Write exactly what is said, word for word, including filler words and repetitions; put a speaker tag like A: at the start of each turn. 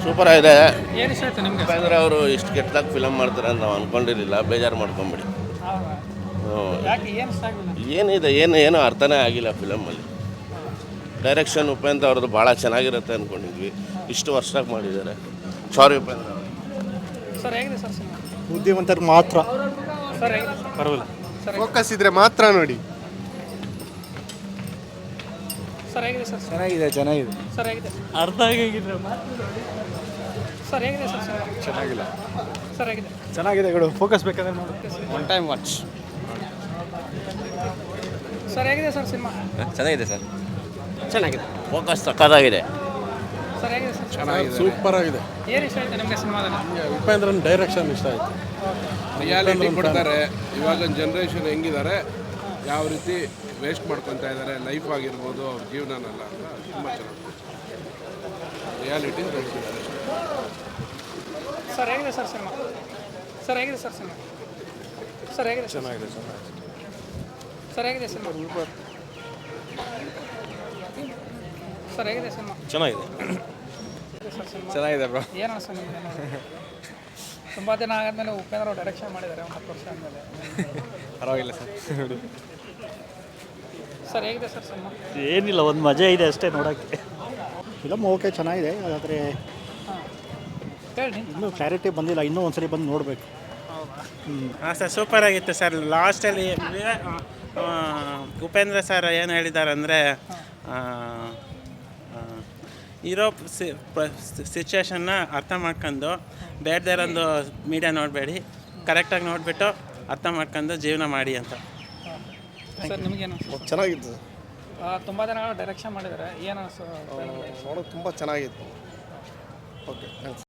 A: Super ಆಗಿದೆ.
B: ಏನು ಇಷ್ಟ ಆಯ್ತು ನಿಮಗೆ?
A: ಉಪೇಂದ್ರ ಅವರು ಇಷ್ಟು ಕೆಟ್ಟದಾಗಿ ಫಿಲಮ್ ಮಾಡ್ತಾರೆ ಅಂತ ನಾವು ಅಂದ್ಕೊಂಡಿರಲಿಲ್ಲ. ಬೇಜಾರು ಮಾಡ್ಕೊಂಬಿಡಿ.
B: ಯಾಕೆ ಏನು ಇಷ್ಟ ಆಗಿಲ್ಲ?
A: ಏನಿದೆ ಏನು ಏನೂ ಅರ್ಥನೇ ಆಗಿಲ್ಲ ಫಿಲಮಲ್ಲಿ. ಡೈರೆಕ್ಷನ್ ಉಪೇಂದ್ರ ಅವ್ರದ್ದು ಭಾಳ ಚೆನ್ನಾಗಿರುತ್ತೆ ಅಂದ್ಕೊಂಡಿದ್ವಿ. ಇಷ್ಟು ವರ್ಷಕ್ಕೆ ಮಾಡಿದ್ದಾರೆ. ಸಾರಿ ಉಪೇಂದ್ರ ಅವರು.
B: ಸರ್ ಹೇಗಿದೆ ಸರ್ ಸಿನಿಮಾ?
C: ಬುದ್ಧಿವಂತರು ಮಾತ್ರ
B: ಸರ್ ಹೇಗಿದೆ ಸರ್?
C: ಪರವಾಗಿಲ್ಲ.
B: ಸರ್
C: ಫೋಕಸ್ ಇದ್ರೆ ಮಾತ್ರ ನೋಡಿ.
B: ಸರ್ ಹೇಗಿದೆ ಸರ್?
C: ಚೆನ್ನಾಗಿದೆ ಚೆನ್ನಾಗಿದೆ.
B: ಸರ್ ಹೇಗಿದೆ?
C: ಅರ್ಧ ಆಗಿದ್ರೆ
B: ಸರ್ ಹೇಗಿದೆ ಸರ್ ಸಿನಿಮಾ?
C: ಚೆನ್ನಾಗಿಲ್ಲ.
B: ಸರ್ ಹೇಗಿದೆ?
C: ಚೆನ್ನಾಗಿದೆ ಗುಡು. ಫೋಕಸ್ ಬೇಕಾದ್ರೆ ನೋಡಿ. One time watch.
B: ಸರ್ ಹೇಗಿದೆ ಸರ್ ಸಿನಿಮಾ?
A: ಚೆನ್ನಾಗಿದೆ ಸರ್. ಚೆನ್ನಾಗಿದೆ. ಫೋಕಸ್ ಸಕ್ಕತ್ತಾಗಿದೆ.
B: ಸರ್ ಹೇಗಿದೆ ಸರ್?
C: ಚೆನ್ನಾಗಿದೆ. ಸೂಪರ್ ಆಗಿದೆ.
B: ಏನು ಇಷ್ಟ ಆಯ್ತು ನಿಮಗೆ ಸಿನಿಮಾದಲ್ಲಿ?
C: ಉಪೇಂದ್ರನ್ ಡೈರೆಕ್ಷನ್ ಇಷ್ಟ ಆಯಿತು.
D: ರಿಯಾಲಿಟಿ ಕೊಡ್ತಾರೆ. ಇವಾಗಿನ ಜನ್ರೇಷನ್ ಹೆಂಗಿದ್ದಾರೆ, ಯಾವ ರೀತಿ ವೇಸ್ಟ್ ಮಾಡ್ಕೊತಾ ಇದ್ದಾರೆ ಲೈಫ್ ಆಗಿರ್ಬೋದು, ಅವ್ರ ಜೀವನನೆಲ್ಲ ಅಂತ ತುಂಬ ಚೆನ್ನಾಗಿ ರಿಯಾಲಿಟಿ ತೋರಿಸಿದ್ದಾರೆ.
B: ಸರ್ ಹೇಗಿದೆ ಸರ್ ಸಿನಿಮಾ? ಸರ್ ಹೇಗಿದೆ ಸರ್ ಸಿನಿಮಾ? ಸರ್ ಹೇಗಿದೆ?
C: ಚೆನ್ನಾಗಿದೆ ಚೆನ್ನಾಗಿದೆ.
B: ಸರ್ ಹೇಗಿದೆ ಸಿನಿಮಾ? ಸರ್ ಹೇಗಿದೆ ಸಿನಿಮಾ?
C: ಚೆನ್ನಾಗಿದೆ.
B: ಸರ್ ಸಿನಿಮಾ
C: ಚೆನ್ನಾಗಿದೆ ಬ್ರೋ.
B: ಏನು ಅನಿಸ್ತು ನಿಮಗೆ? ತುಂಬ ದಿನ ಆದಮೇಲೆ ಉಪೇಂದ್ರ ಅವರು ಡೈರೆಕ್ಷನ್ ಮಾಡಿದ್ದಾರೆ ಒಂದು ಹತ್ತು ವರ್ಷ ಆದಮೇಲೆ.
C: ಪರವಾಗಿಲ್ಲ ಸರ್ ನೋಡಿ.
B: ಸರ್ ಹೇಗಿದೆ ಸರ್ ಸಿನಿಮಾ?
E: ಏನಿಲ್ಲ, ಒಂದು ಮಜಾ ಇದೆ ಅಷ್ಟೇ ನೋಡೋಕ್ಕೆ.
F: ಫಿಲಮ್ ಓಕೆ ಚೆನ್ನಾಗಿದೆ, ಆದರೆ
B: ಹಾಂ ಹೇಳಿ.
F: ಇನ್ನೂ ಕ್ಲಾರಿಟಿ ಬಂದಿಲ್ಲ, ಇನ್ನೂ ಒಂದ್ಸರಿ ಬಂದು ನೋಡಬೇಕು.
E: ಹಾಂ ಸರ್, ಸೂಪರ್ ಆಗಿತ್ತು ಸರ್. ಲಾಸ್ಟಲ್ಲಿ ಉಪೇಂದ್ರ ಸರ್ ಏನು ಹೇಳಿದ್ದಾರೆ ಅಂದರೆ, ಇರೋ ಸಿಚುವೇಶನ್ನ ಅರ್ಥ ಮಾಡ್ಕೊಂಡು ಬೇಡದೇ ಇರೋದು ಮೀಡಿಯಾ ನೋಡಬೇಡಿ, ಕರೆಕ್ಟಾಗಿ ನೋಡಿಬಿಟ್ಟು ಅರ್ಥ ಮಾಡ್ಕೊಂಡು ಜೀವನ ಮಾಡಿ ಅಂತ.
B: ಸರ್ ನಿಮಗೇನು?
C: ಚೆನ್ನಾಗಿತ್ತು.
B: ತುಂಬ ದಿನಗಳ ಡೈರೆಕ್ಷನ್ ಮಾಡಿದ್ದಾರೆ, ಏನು ಅನಿಸ್ತು?
C: ನೋಡೋಕೆ ತುಂಬ ಚೆನ್ನಾಗಿತ್ತು. Okay thanks.